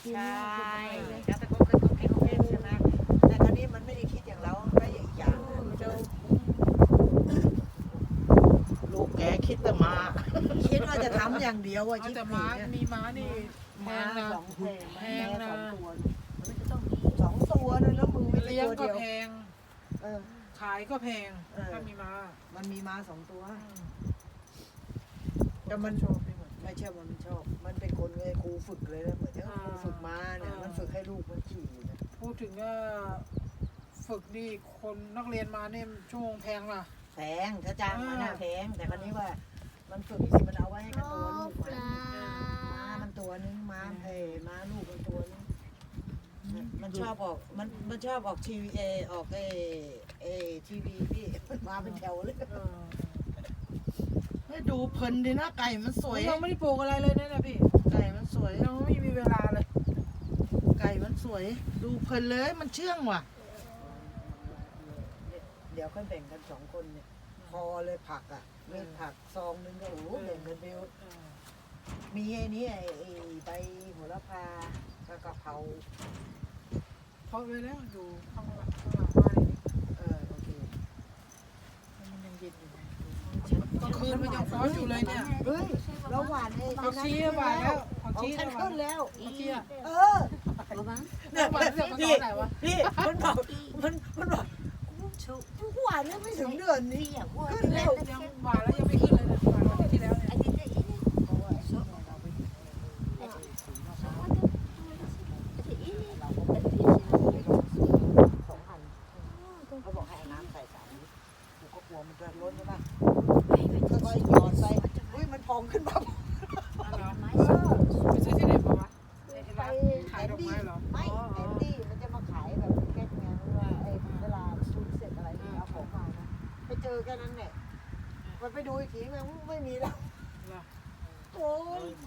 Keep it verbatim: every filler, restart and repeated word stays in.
ใช่แล้วแต่ก็เคยตกให้เขาเล่นใช่ไหมแต่คราวนี้มันไม่ได้คิดอย่างเราก็อย่างอีกอย่างมันจะลูกแกคิดแต่มาคิดว่าจะทำอย่างเดียวอะเอาชิบแต่หาม้าย มีม้านี่แพม้างนะสองแพงแพงนะมันจะต้องมีสองตัวเลยแล้วมึงไม่ใช่เลี้ยงตัวก็เดียวแพงเออขายก็แพงเออถ้ามีม้ามันมีม้าสองตัวอืมแต่มันชอบไปหมดไม่เชื่อมันชอบ มันเป็นคนเลยครูฝึกเลยนะเหมือนที่ครูฝึกม้าเนี่ยอ่ามัมันฝึกให้ลูกมันขี่นะพูดถึงว่าฝึกนี่คนนักเรียนมาเนี่ยชั่วโมงแพงล่ะแพงถ้าจ้างมันน่ะอ่าแพงแต่คราวนี้ว่า มันฝึกมันเอาไว้ให้กับตัวลูกมันม้ามันตัวนึงม้าเอ้ยม้าลูกมันตัวนึงมันชอบออกมันมันชอบออกทีวีเอออกเอเอทีวีพี่มันมาเป็นแถวเลยเออให้ดูเพลินดีนะไก่มันสวยยังไม่ได้ปลูกอะไรเลยนะเนี่ยพี่ไก่มันสวยยังไม่มีเวลาเลยไก่มันสวย ดูเพลินเลยมันเชื่องว่ะเดี๋ยวค่อยแบ่งกันสองคนเนี่ยพอเลยผักอ่ะเม็ดผักซองนึงก็โอ้โหแบ่งกันไปเออมีไอ้นี่ไอ้ไอ้ใบโหระพากับกะเพราเพราะไว้แล้วอยู่ข้างหลังข้างหลังบ้านนี่เออโอเคมันยังเย็นอยู่นะกลางคืนมันยังร้อนอยู่เลยเนี่ยเฮ้ยเราหวานไอ้ผักชีหวานแล้วผักของชีฉันหวาขึ้นนแล้วผักชีอ่ะเออเนี่ยหวานเรื่องมันตพี่อนไหนวะพี่มันบอกมันมันบอกหวานยังไม่ถึงเดือนนี้ขึ้นแล้วยังหวานแล้วยังไม่ขึ้นเลยนะหวานวันที่แล้วเนี่ยสองพันเขาบอกให้เอาน้ำใส่สามลิตรกูก็กลัวมันจะล้นใช่ปะค่อยๆหยอดใส่อุ้ยมันพองขึ้นมาอ๋อเหรอไปซื้อที่ไหนมาวะไอ้ไปร้านแอขายนดอกดี้ไม้เหรอไม่อ๋อแอนดี้มันจะมาขายแบบแก๊สไงว่าไอ้เวลาชุดเสร็จอะไรเอาของมานะไปเจอแค่นั้นแหละมันไปดูอีกทีมันไม่มีแล้วเหรอโอ้ย